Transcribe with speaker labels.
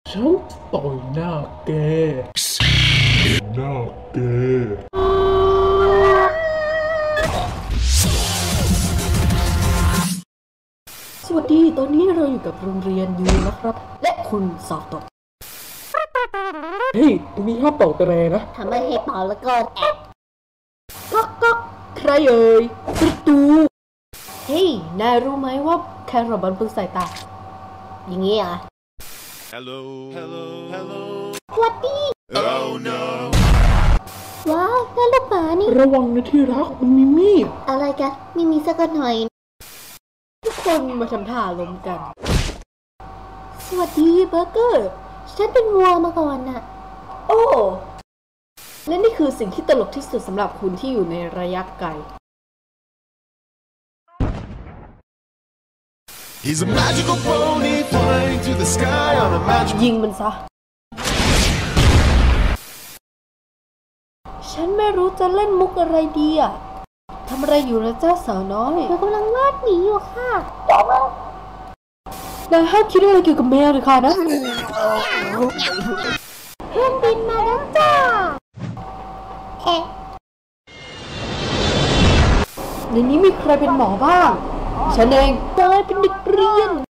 Speaker 1: ฉันต่อยหน้าแกหน้าแกสวัสดีตอนนี้เราอยู่กับโรงเรียนยูนะครับและคุณสอบตกเฮ้ยตรงนี้ห้ามเป่าแตรนะ
Speaker 2: ทำไมให้เป่าแล้วก็แอบ
Speaker 1: ก๊อกใครเอ่ยประตูเฮ้ยนายรู้ไหมว่าแครอทมันเป็นสายตา
Speaker 2: อย่างงี้เหรอ
Speaker 3: Hello Hello
Speaker 2: สวัสดี
Speaker 3: Oh no
Speaker 2: ว้าวนั่นลูกหมานี่
Speaker 1: ระวังนะที่รักมันมีมีด
Speaker 2: อะไรกันไม่มีสักหน่อย
Speaker 1: ทุกคนมาทำท่าล้มกัน
Speaker 2: สวัสดีเบอร์เกอร์ฉันเป็นวัวมาก่อนน่ะ
Speaker 1: โอ้และนี่คือสิ่งที่ตลกที่สุดสำหรับคุณที่อยู่ในระยะไกล
Speaker 3: He's a magical pony flying to the sky on a magical
Speaker 1: ยิงมันซะฉันไม่รู้จะเล่นมุกอะไรดีอ่ะทำอะไรอยู่นะเจ้าสาวน้อย
Speaker 2: เรากำลังวาดหมีอยู่ค่ะ
Speaker 1: นายห้ามคิดอะไรเกี่ยวกับแมวเลยค่ะนะ
Speaker 2: เครื่องบินมาแล้วจ้า
Speaker 1: ในนี้มีใครเป็นหมอบ้างฉันเองนายเป็นเด็กเรียน